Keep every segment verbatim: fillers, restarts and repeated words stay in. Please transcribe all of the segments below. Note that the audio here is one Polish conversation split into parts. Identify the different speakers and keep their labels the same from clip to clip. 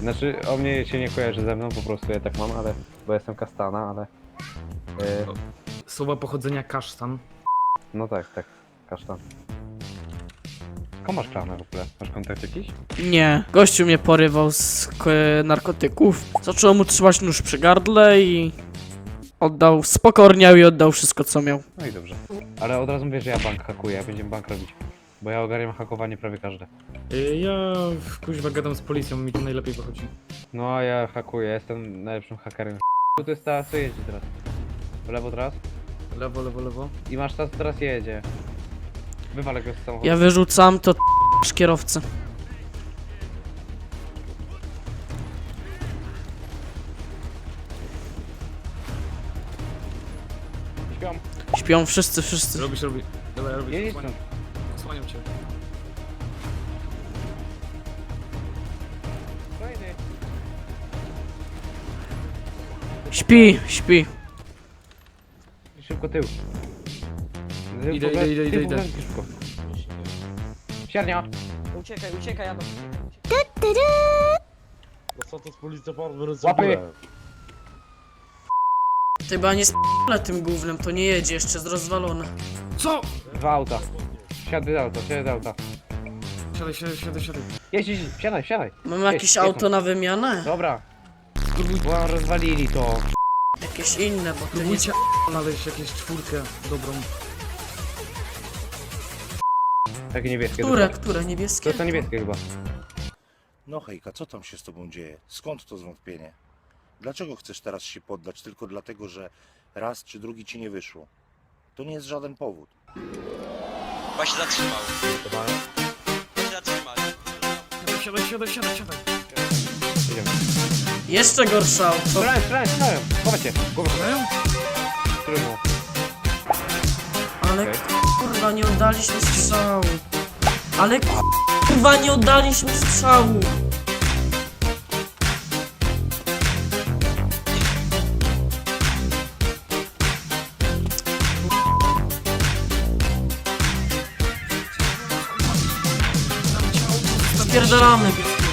Speaker 1: Znaczy, o mnie się nie kojarzy ze mną, po prostu ja tak mam, ale... Bo jestem kastana, ale... Yy,
Speaker 2: Słowa pochodzenia kasztan.
Speaker 1: no tak, tak. Kasztan. Komu masz klamę w ogóle? Masz kontakt jakiś?
Speaker 3: Nie, gościu mnie porywał z k- narkotyków. Zacząłem mu trzymać nóż przy gardle i... Oddał, spokorniał i oddał wszystko co miał.
Speaker 1: No i dobrze. Ale od razu mówię, że ja bank hakuję, będziemy bank robić. Bo ja ogarniam hakowanie prawie każde.
Speaker 2: Y, Ja kuźwa gadam z policją, mi to najlepiej wychodzi.
Speaker 1: No a ja hakuję, jestem najlepszym hakerem. Tu jest ta, co jedzie teraz? W lewo teraz?
Speaker 2: Lewo, lewo, lewo.
Speaker 1: I masz ta, co teraz jedzie. Wywalę go z samochodu.
Speaker 3: Ja wyrzucam to kierowcę.
Speaker 1: Śpią.
Speaker 3: Śpią wszyscy, wszyscy.
Speaker 2: Robisz, robisz. Dawaj, robisz.
Speaker 1: Jedź
Speaker 2: Osłaniam,
Speaker 1: stąd.
Speaker 2: osłaniam cię.
Speaker 1: Fajny.
Speaker 3: Śpi, śpi.
Speaker 1: Szybko tył.
Speaker 2: Idę, idę, idę, idę, idę.
Speaker 1: Szybko. Siarnia.
Speaker 4: Uciekaj, uciekaj, Adam.
Speaker 5: No co to z policja farmy
Speaker 1: Łapy.
Speaker 3: Ty chyba nie sp***le tym gównem, to nie jedzie, jeszcze jest rozwalone.
Speaker 2: Co?
Speaker 1: Dwa auta. Siadaj z auta, siadaj z auta.
Speaker 2: Siadaj, siadaj, siadaj, siadaj.
Speaker 1: Jedź, jedź, siadaj, siadaj.
Speaker 3: Mam
Speaker 1: Jedź,
Speaker 3: jakieś
Speaker 1: jedź.
Speaker 3: auto na wymianę?
Speaker 1: Dobra. Bo rozwalili to.
Speaker 3: Jakieś inne, bo to nie...
Speaker 2: Próbujcie znaleźć jakieś czwórkę dobrą.
Speaker 1: Takie niebieskie.
Speaker 3: Które,
Speaker 1: To
Speaker 3: które,
Speaker 1: to
Speaker 3: niebieskie?
Speaker 1: jest to niebieskie chyba.
Speaker 5: No hejka, co tam się z tobą dzieje? Skąd to zwątpienie? Dlaczego chcesz teraz się poddać tylko dlatego, że raz czy drugi ci nie wyszło? To nie jest żaden powód.
Speaker 6: Chyba się zatrzymał. Chyba się zatrzymał.
Speaker 2: Siadaj, siadaj, siadaj, siadaj.
Speaker 1: Jedziemy.
Speaker 3: Jeszcze gorsze auto.
Speaker 1: Strzelałem, strzelałem, strzelałem. Chowaj się. Głowę.
Speaker 2: Mają?
Speaker 1: Trudno.
Speaker 3: Ale
Speaker 1: Okej.
Speaker 3: kurwa, nie oddaliśmy strzału. Ale kurwa, nie oddaliśmy strzału. Spierdalamy.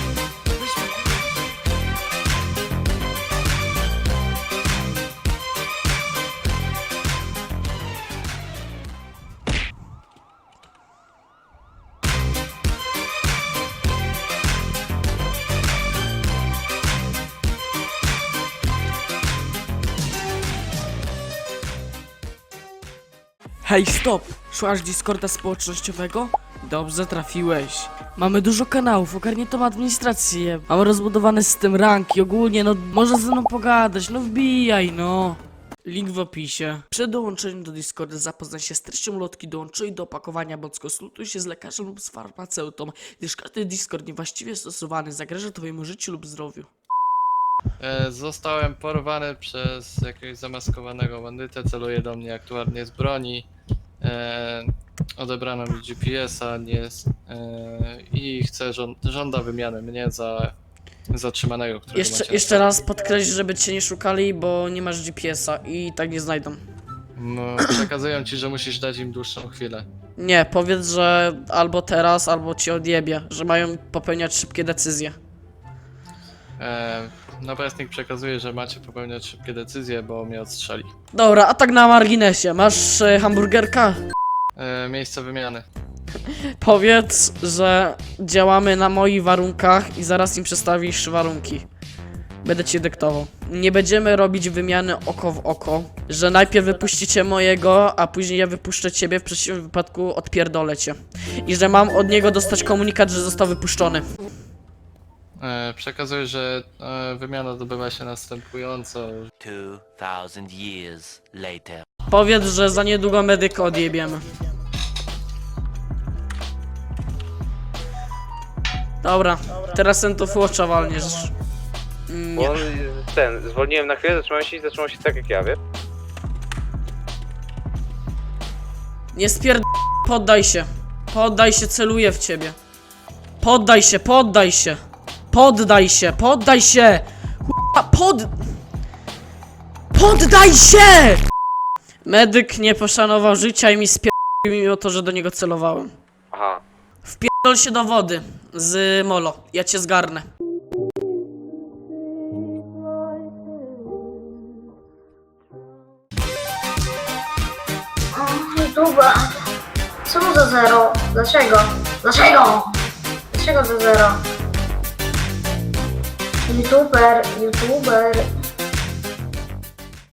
Speaker 3: Hej, stop! Szłaś Discorda społecznościowego? Dobrze trafiłeś. Mamy dużo kanałów, ogarniętą administrację. Mamy rozbudowany system ranki, ogólnie, no może ze mną pogadać, no wbijaj, no. Link w opisie. Przed dołączeniem do Discorda zapoznaj się z treścią lotki, dołączyj do opakowania, bądź konsultuj się z lekarzem lub z farmaceutą, gdyż każdy Discord niewłaściwie stosowany zagraża twojemu życiu lub zdrowiu.
Speaker 7: E, Zostałem porwany przez jakiegoś zamaskowanego bandytę, celuje do mnie aktualnie z broni. E, odebrano mi G P S-a nie, e, i chce żąd żąda wymiany mnie za zatrzymanego, którego
Speaker 3: Jeszcze,
Speaker 7: macie
Speaker 3: jeszcze
Speaker 7: na
Speaker 3: raz podkreśl, żeby cię nie szukali, bo nie masz G P S-a i tak nie znajdą.
Speaker 7: No, przekazują ci, że musisz dać im dłuższą chwilę.
Speaker 3: Nie, powiedz, że albo teraz, albo ci odjebie, że mają popełniać szybkie decyzje.
Speaker 7: E, napastnik przekazuje, że macie popełniać szybkie decyzje, bo mnie odstrzeli.
Speaker 3: Dobra, a tak na marginesie, masz e, hamburgerka?
Speaker 7: E, miejsce wymiany.
Speaker 3: Powiedz, że działamy na moich warunkach i zaraz im przedstawisz warunki. Będę ci dyktował. Nie będziemy robić wymiany oko w oko, że najpierw wypuścicie mojego, a później ja wypuszczę ciebie, w przeciwnym wypadku odpierdolę cię. I że mam od niego dostać komunikat, że został wypuszczony.
Speaker 7: E, przekazuję, że e, wymiana odbywa się następująco.
Speaker 8: Two thousand years later.
Speaker 3: Powiedz, że za niedługo medyka odjebiemy. Dobra, teraz ten to fłocza walniesz. Nie.
Speaker 1: Bo on, ten, zwolniłem na chwilę, zatrzymałem się i zatrzymał się tak jak ja, wiesz?
Speaker 3: Nie spierd... Poddaj się. Poddaj się, celuję w ciebie. Poddaj się, poddaj się. Poddaj się, poddaj się. Ch**a, pod... Poddaj się! Medyk nie poszanował życia i mi spierdolił mimo to, że do niego celowałem.
Speaker 1: Aha.
Speaker 3: Wpierdol się do wody z molo. Ja cię zgarnę.
Speaker 4: YouTube'a. Co za zero? Dlaczego? Dlaczego? Dlaczego za zero? YouTuber, YouTuber,